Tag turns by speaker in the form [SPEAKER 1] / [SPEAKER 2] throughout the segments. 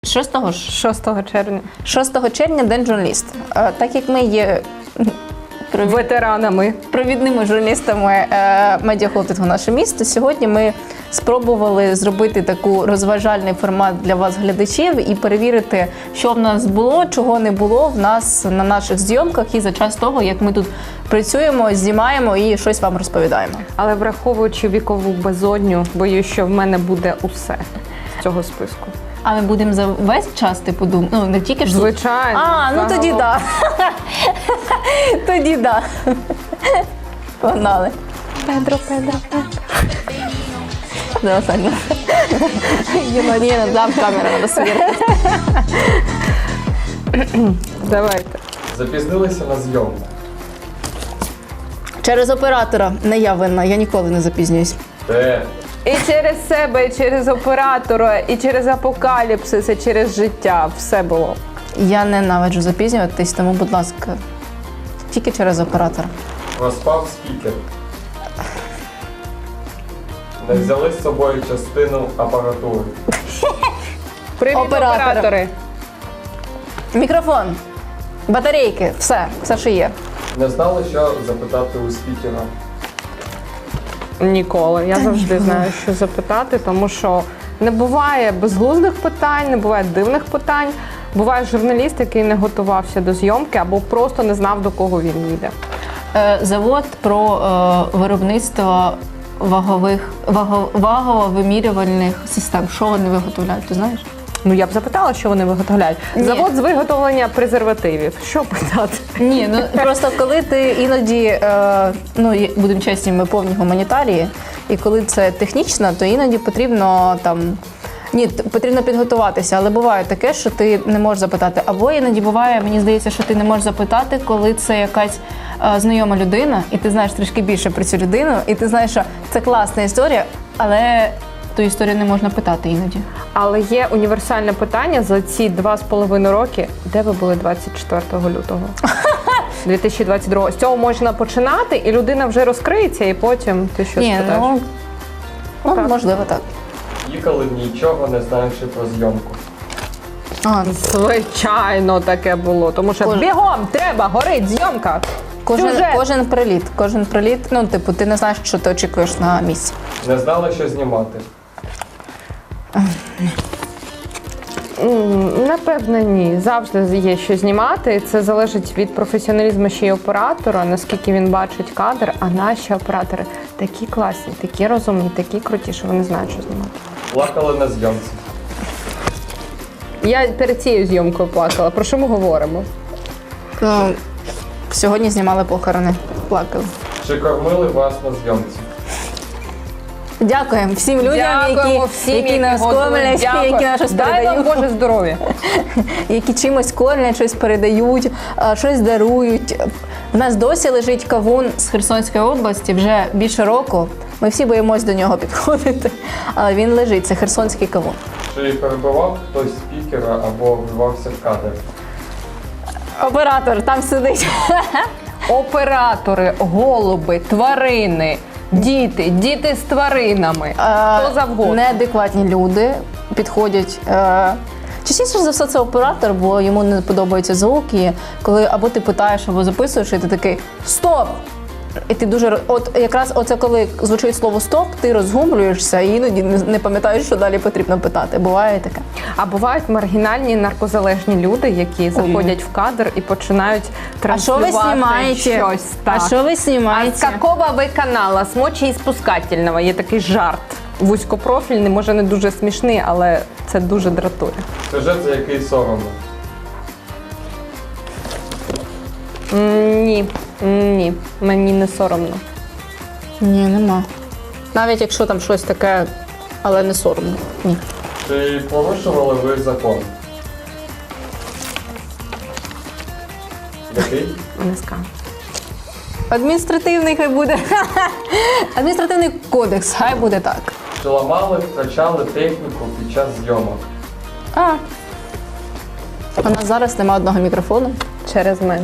[SPEAKER 1] 6-го ж?
[SPEAKER 2] 6 червня.
[SPEAKER 1] 6 червня День журналіста. Так як ми є
[SPEAKER 2] Ветеранами.
[SPEAKER 1] провідними журналістами медіахолдингу «Наше місто», сьогодні ми спробували зробити таку розважальний формат для вас, глядачів, і перевірити, що в нас було, чого не було в нас на наших зйомках і за час того, як ми тут працюємо, знімаємо і щось вам розповідаємо.
[SPEAKER 2] Але враховуючи вікову безодню, боюсь, що в мене буде усе з цього списку.
[SPEAKER 1] А ми будемо за весь час, типу, ну не тільки ж...
[SPEAKER 2] Звичайно.
[SPEAKER 1] Ну тоді так. Тоді так. Погнали.
[SPEAKER 2] Педро.
[SPEAKER 1] Давай, Саня. Ні, дам камеру, треба свірити.
[SPEAKER 2] Давайте.
[SPEAKER 3] Запізнилися на зйомку.
[SPEAKER 1] Через оператора. Не я винна, я ніколи не запізнююсь.
[SPEAKER 3] Де?
[SPEAKER 2] І через себе, і через оператора, і через апокаліпсис, і через життя. Все було.
[SPEAKER 1] Я ненавиджу запізнюватись, тому, будь ласка, тільки через оператора.
[SPEAKER 3] Проспав спікер. Не взяли з собою частину апаратури.
[SPEAKER 2] Привіт,
[SPEAKER 1] Оператора.
[SPEAKER 2] оператори.
[SPEAKER 1] Мікрофон, батарейки, все, що є.
[SPEAKER 3] Не знали, що запитати у спікера.
[SPEAKER 2] Ніколи. Я завжди знаю, що запитати, тому що не буває безглуздих питань, не буває дивних питань. Буває журналіст, який не готувався до зйомки або просто не знав, до кого він їде.
[SPEAKER 1] Завод про виробництво вагово-вимірювальних систем. Що вони виготовляють, ти знаєш?
[SPEAKER 2] Ну, я б запитала, що вони виготовляють.
[SPEAKER 1] Ні.
[SPEAKER 2] Завод з виготовлення презервативів. Що питати?
[SPEAKER 1] Ні, ну просто коли ти іноді, будемо чесні, ми повні гуманітарії, і коли це технічно, то іноді потрібно потрібно підготуватися, але буває таке, що ти не можеш запитати. Або іноді буває, мені здається, що ти не можеш запитати, коли це якась знайома людина, і ти знаєш трішки більше про цю людину, і ти знаєш, що це класна історія, але ту історію не можна питати іноді.
[SPEAKER 2] Але є універсальне питання за ці 2,5 роки. Де ви були 24 лютого? 2022. З цього можна починати, і людина вже розкриється, і потім ти щось питаєш. Так.
[SPEAKER 1] Можливо, так.
[SPEAKER 3] Їхали нічого не знаючи про зйомку.
[SPEAKER 2] Звичайно, таке було. Тому що бігом треба, горить зйомка.
[SPEAKER 1] Кожен приліт, ти не знаєш, що ти очікуєш на місці.
[SPEAKER 3] Не знали, що знімати.
[SPEAKER 2] Напевно, ні. Завжди є що знімати. Це залежить від професіоналізму ще й оператора, наскільки він бачить кадр. А наші оператори такі класні, такі розумні, такі круті, що вони знають, що знімати.
[SPEAKER 3] Плакали на зйомці.
[SPEAKER 2] Я перед цією зйомкою плакала. Про що ми говоримо?
[SPEAKER 1] Сьогодні знімали похорони, плакали.
[SPEAKER 3] Чи кормили вас на зйомці?
[SPEAKER 1] Дякуємо всім людям, які нас кормлять, які нас щось
[SPEAKER 2] Дай вам
[SPEAKER 1] передають,
[SPEAKER 2] Боже здоров'я.
[SPEAKER 1] які чимось кормлять, щось передають, щось дарують. У нас досі лежить кавун з Херсонської області вже більше року. Ми всі боїмось до нього підходити, але він лежить, це херсонський кавун.
[SPEAKER 3] Чи перебивав хтось спікера або вбивався в кадр?
[SPEAKER 1] Оператор там сидить.
[SPEAKER 2] Оператори, голуби, тварини, діти з тваринами, хто завгодно.
[SPEAKER 1] Неадекватні люди підходять. Частіше за все це оператор, бо йому не подобаються звуки, коли або ти питаєш, або записуєш, і ти такий «Стоп!» І ти дуже, якраз оце коли звучить слово «стоп», ти розгублюєшся і іноді не пам'ятаєш, що далі потрібно питати. Буває таке.
[SPEAKER 2] А бувають маргінальні наркозалежні люди, які заходять в кадр і починають транслювати щось.
[SPEAKER 1] А що ви знімаєте?
[SPEAKER 2] А з какого ви канала? З мочеіспускательного. Є такий жарт. Вузькопрофільний, може не дуже смішний, але це дуже дратує.
[SPEAKER 3] Сюжет, за який соромно.
[SPEAKER 2] Ні, мені не соромно.
[SPEAKER 1] Ні, нема. Навіть якщо там щось таке, але не соромно. Ні.
[SPEAKER 3] Чи порушували ви закон? Який?
[SPEAKER 2] Не скажу.
[SPEAKER 1] Адміністративний хай буде. Адміністративний кодекс, хай буде так.
[SPEAKER 3] Чи ламали, втрачали техніку під час зйомок?
[SPEAKER 1] У нас зараз немає одного мікрофону.
[SPEAKER 2] Через мене.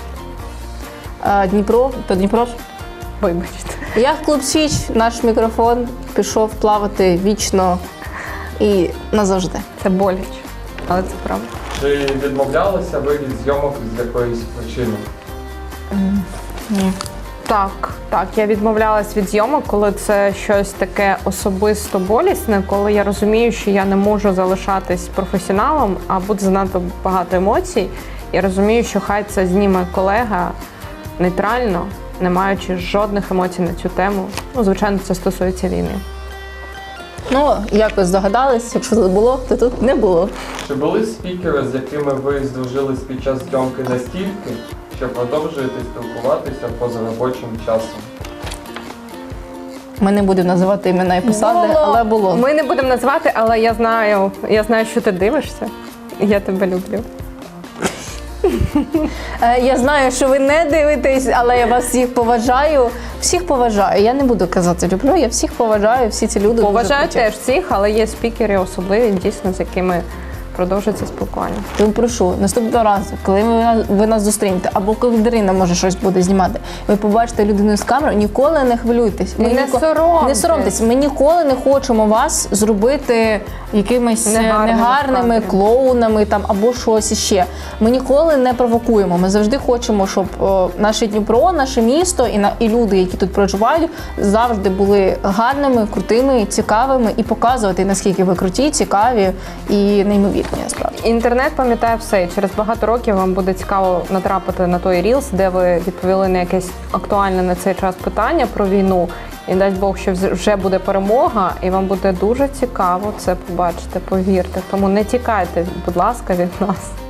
[SPEAKER 1] Дніпро, то Дніпро ж.
[SPEAKER 2] Вибачте.
[SPEAKER 1] Як клуб Січ, наш мікрофон пішов плавати вічно і назавжди.
[SPEAKER 2] Це боляче. Але це правда.
[SPEAKER 3] Чи відмовлялися ви від зйомок з якоїсь причини?
[SPEAKER 1] Ні.
[SPEAKER 2] Так, я відмовлялась від зйомок, коли це щось таке особисто болісне, коли я розумію, що я не можу залишатись професіоналом, а буде занадто багато емоцій. Я розумію, що хай це зніме колега нейтрально, не маючи жодних емоцій на цю тему. Ну, звичайно, це стосується війни.
[SPEAKER 1] Ну, якось здогадались, якщо тут було, то тут не було.
[SPEAKER 3] Чи були спікери, з якими ви здружились під час зйомки настільки, що продовжуєте спілкуватися поза робочим часом?
[SPEAKER 1] Ми не будемо називати імена і посади, але було.
[SPEAKER 2] Ми не будемо назвати, але я знаю, що ти дивишся. Я тебе люблю.
[SPEAKER 1] Я знаю, що ви не дивитесь, але я вас всіх поважаю. Всіх поважаю. Я не буду казати люблю, я всіх поважаю, всі ці люди.
[SPEAKER 2] Поважаю
[SPEAKER 1] дуже круті.
[SPEAKER 2] теж всіх, але є спікери особливі, дійсно, з якими продовжується спілкування.
[SPEAKER 1] Тому прошу, наступного разу, коли ви нас зустрінете, або коли Дарина може щось буде знімати, ви побачите людину з камерою, ніколи не хвилюйтесь.
[SPEAKER 2] Не соромтесь.
[SPEAKER 1] Не соромтесь. Ми ніколи не хочемо вас зробити якимись негарними
[SPEAKER 2] насправді.
[SPEAKER 1] клоунами там, або щось іще. Ми ніколи не провокуємо. Ми завжди хочемо, щоб наше Дніпро, наше місто і люди, які тут проживають, завжди були гарними, крутими, цікавими і показувати, наскільки ви круті, цікаві і неймовірні. Насправді.
[SPEAKER 2] Інтернет пам'ятає все, і через багато років вам буде цікаво натрапити на той рілс, де ви відповіли на якесь актуальне на цей час питання про війну. І дасть Бог, що вже буде перемога, і вам буде дуже цікаво це побачити, повірте. Тому не тікайте, будь ласка, від нас.